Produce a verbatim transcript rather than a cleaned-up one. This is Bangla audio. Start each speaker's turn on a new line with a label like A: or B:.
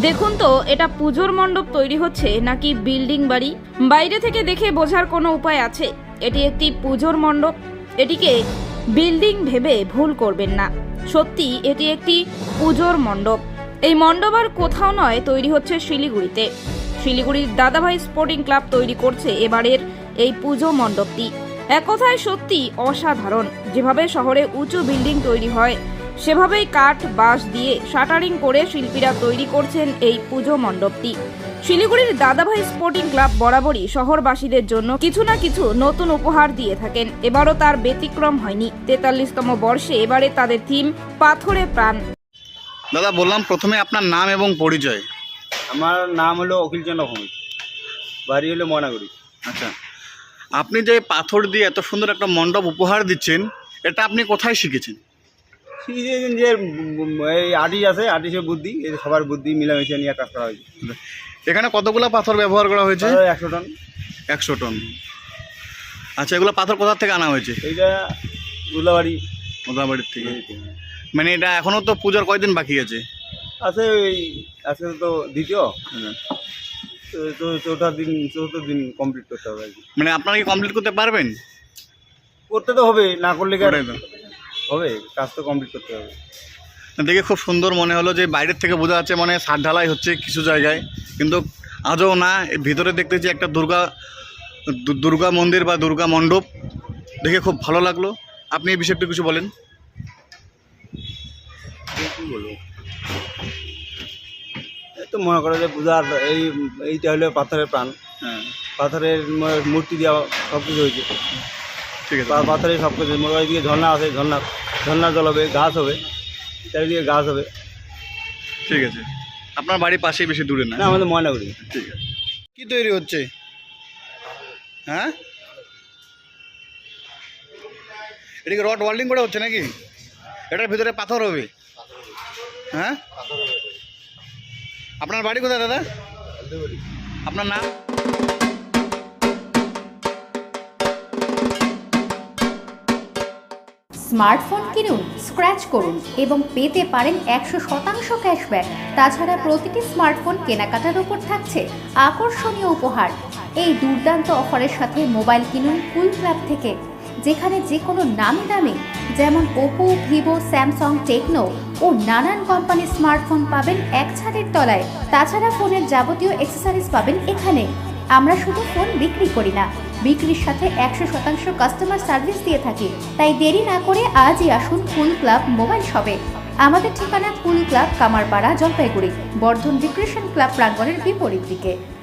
A: দেখুন তো এটা পুজোর মণ্ডপ তৈরি হচ্ছে নাকি বিল্ডিং বাড়ি। বাইরে থেকে দেখে বোঝার কোনো উপায় আছে? এটি একটি পুজোর মণ্ডপ। এটিকে বিল্ডিং ভেবে ভুল করবেন না, সত্যি এটি একটি পুজোর মণ্ডপ। এই মণ্ডপ আর কোথাও নয়, তৈরি হচ্ছে শিলিগুড়িতে। শিলিগুড়ির দাদাভাই স্পোর্টিং ক্লাব তৈরি করছে এবারের এই পুজো মণ্ডপটি। এক কথায় সত্যি অসাধারণ। যেভাবে শহরে উঁচু বিল্ডিং তৈরি হয়, সেভাবেই কাঠ বাঁশ দিয়ে শাটারিং করে শিল্পীরা তৈরি করছেন এই পুজো মণ্ডপটি। শিলিগুড়ির দাদাভাই স্পোর্টিং ক্লাব বরাবরই শহরবাসীদের জন্য কিছু না কিছু নতুন উপহার দিয়ে থাকেন। এবারও তার ব্যতিক্রম হয়নি। তেতাল্লিশতম বর্ষে এবারে তাদের থিম পাথরে প্রাণ।
B: দাদা বললাম প্রথমে আপনার নাম এবং পরিচয়।
C: আমার নাম হলো অখিল চন্দ্র ভৌমিক, বাড়ি হলো ময়নাগুড়ি।
B: আচ্ছা, আপনি যে পাথর দিয়ে এত সুন্দর একটা মণ্ডপ উপহার দিচ্ছেন, এটা আপনি কোথায় শিখেছেন?
C: শিখেছেন যে এই আর্টিস্ট আছে, আর্টিস্টের বুদ্ধি, এই সবার বুদ্ধি মিলামিশে নিয়ে কাজ করা হয়েছে।
B: এখানে কতগুলো পাথর ব্যবহার করা হয়েছে?
C: একশো টন।
B: একশো টন। আচ্ছা, এগুলো পাথর কোথা থেকে আনা হয়েছে?
C: এইটা উল্লাবাড়ি
B: মোদাবাড়ির থেকে। মানে এটা এখনো তো পূজার কয়দিন বাকি আছে?
C: আছে ওই আজকে তো দ্বিতীয়, তো চৌঠা দিন চতুর্থ দিন কমপ্লিট করতে হবে আর কি।
B: মানে আপনারা কি কমপ্লিট করতে পারবেন?
C: করতে তো হবে, না করলে কি আর
B: ওটাই তো।
C: হবে, কাজ তো কমপ্লিট করতে হবে।
B: দেখে খুব সুন্দর মনে হলো যে বাইরের থেকে বোঝা যাচ্ছে মানে ছাদ ঢালাই হচ্ছে কিছু জায়গায়, কিন্তু আজও না। এর ভিতরে দেখতেছি একটা দুর্গা দু- দুর্গা মন্দির বা দুর্গা মণ্ডপ, দেখে খুব ভালো লাগলো। আপনি এই বিষয়টা কিছু বলেন।
C: কি বলবো, এই তো মনে করো যে পূজার এই এইটা হলো পাথরের প্রাণ।
B: হ্যাঁ,
C: পাথরের ম- মূর্তি দেওয়া সব কিছু হয়েছে।
B: ঠিক আছে।
C: পা- পাথরের সব কিছু, মোটামুটি এদিকে ঝর্ণা আছে, ঝর্ণা ঝর্ণার জল হবে, গাছ হবে, চারিদিকে গাছ হবে।
B: ঠিক আছে, আপনার বাড়ির পাশেই, বেশি দূরে না।
C: না, আমাদের ময়নাগুড়ি।
B: ঠিক আছে। কি তৈরি হচ্ছে? হ্যাঁ, এদিকে রড ওয়েল্ডিং করা হচ্ছে নাকি? এটার ভিতরে পাথর হবে? হ্যাঁ, আপনার বাড়ি কোথায় দাদা? আপনার নাম?
D: স্মার্টফোন কিনুন, স্ক্র্যাচ করুন এবং পেতে পারেন একশো শতাংশ ক্যাশব্যাক। তাছাড়া প্রতিটি স্মার্টফোন কেনাকাটার উপর থাকছে আকর্ষণীয় উপহার। এই দুর্দান্ত অফারের সাথে মোবাইল কিনুন কুল ক্লাব থেকে, যেখানে যে কোনো নামি দামি যেমন ওপো, ভিভো, স্যামসাং, টেকনো ও নানান কোম্পানির স্মার্টফোন পাবেন এক ছাদের তলায়। তাছাড়া ফোনের যাবতীয় অ্যাক্সেসরিজ পাবেন এখানে। আমরা শুধু ফোন বিক্রি করি না, বিক্রির সাথে একশো শতাংশ কাস্টমার সার্ভিস দিয়ে থাকি। তাই দেরি না করে আজই আসুন কুল ক্লাব মোবাইল শপে। আমাদের ঠিকানা cool club, Kamarpara, Jalpaiguri, Bardhan recreation club প্রাঙ্গণের বিপরীত দিকে।